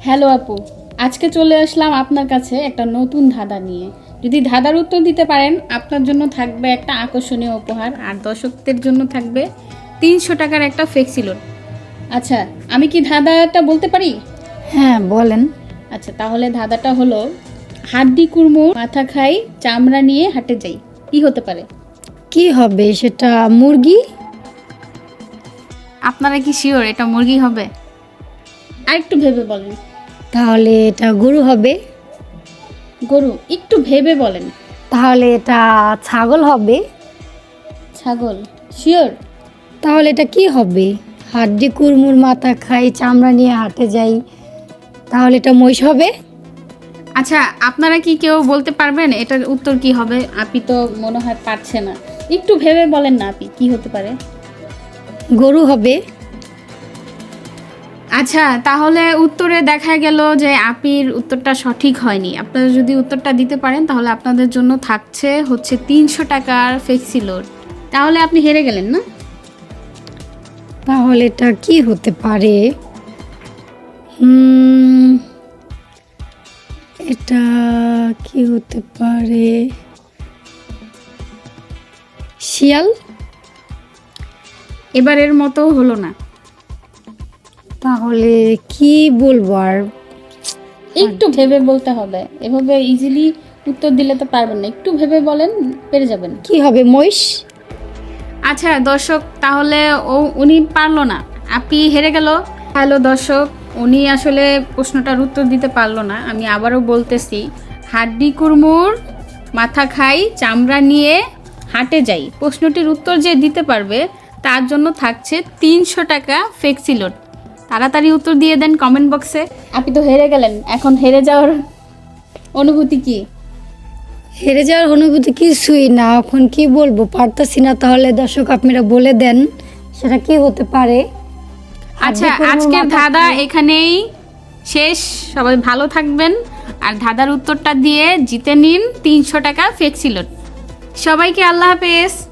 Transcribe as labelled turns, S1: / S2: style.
S1: Hello আপু, আজকে চলে আসলাম আপনার কাছে একটা নতুন ধাঁধা নিয়ে। যদি ধাঁধার উত্তর দিতে পারেন আপনার জন্য থাকবে একটা আকর্ষণীয় উপহার, আর দর্শকদের জন্য থাকবে 300 টাকার একটা ফ্লেক্সি লোড। আচ্ছা, আমি কি ধাঁধাটা বলতে পারি?
S2: হ্যাঁ বলেন।
S1: আচ্ছা, তাহলে ধাঁধাটা হলো হাড্ডি কুড়মো মাথা খাই চামড়া নিয়ে হাটে যাই, কি হতে পারে?
S2: কি হবে সেটা? মুরগি?
S1: আপনারা কি শিওর এটা মুরগি হবে? আর একটু ভেবে বলেন।
S2: তাহলে এটা গরু হবে।
S1: গরু? একটু ভেবে বলেন।
S2: তাহলে এটা ছাগল হবে।
S1: ছাগল? শিওর?
S2: তাহলে এটা কি হবে? হাড্ডি কুড়মুর মাথা খাই চামড়া নিয়ে হাটে যাই, তাহলে এটা মহিষ হবে।
S1: আচ্ছা, আপনারা কি কেউ বলতে পারবেন এটার উত্তর কি হবে? আপনি তো মনে হয় পারছে না, একটু ভেবে বলেন না আপনি, কি হতে পারে?
S2: গরু হবে।
S1: আচ্ছা, তাহলে উত্তরে দেখা গেল যে আপির উত্তরটা সঠিক হয়নি। আপনারা যদি উত্তরটা দিতে পারেন তাহলে আপনাদের জন্য থাকছে হচ্ছে 300 টাকার ফ্লেক্সি লোড। তাহলে আপনি হেরে গেলেন না?
S2: তাহলে এটা কি হতে পারে? এটা কি হতে পারে? শিয়াল?
S1: এবারের মতো হলো না।
S2: তাহলে কি বলবো আর?
S1: একটু ভেবে বলতে হবে, এভাবে ইজিলি উত্তর দিলে তো পারবেন না, একটু ভেবে বলেন, পেরে যাবেন।
S2: কি হবে? মহিষ?
S1: আচ্ছা দর্শক, তাহলে উনি পারলো না, আপনি হেরে গেল। হ্যালো দর্শক, উনি আসলে প্রশ্নটার উত্তর দিতে পারলো না। আমি আবারও বলতেছি, হাড্ডি কুড়মুর মাথা খাই চামড়া নিয়ে হাটে যাই, প্রশ্নটির উত্তর যে দিতে পারবে তার জন্য থাকছে 300 টাকা ফ্লেক্সি লোড। তাড়াতাড়ি উত্তর দিয়ে দেন কমেন্ট বক্সে। আপনি তো হেরে গেলেন, এখন হেরে যাওয়ার অনুভূতি কি?
S2: হেরে যাওয়ার অনুভূতি কিছুই না, এখন কি বলবো পারতাছি না। তাহলে দর্শক আপনারা বলে দেন সেটা কি হতে পারে।
S1: আচ্ছা, আজকের ধাঁধা এখানেই শেষ। সবাই ভালো থাকবেন, আর ধাঁধার উত্তরটা দিয়ে জিতে নিন 300 টাকা ফ্লেক্সি লোড। সবাইকে আল্লাহ হাফেজ।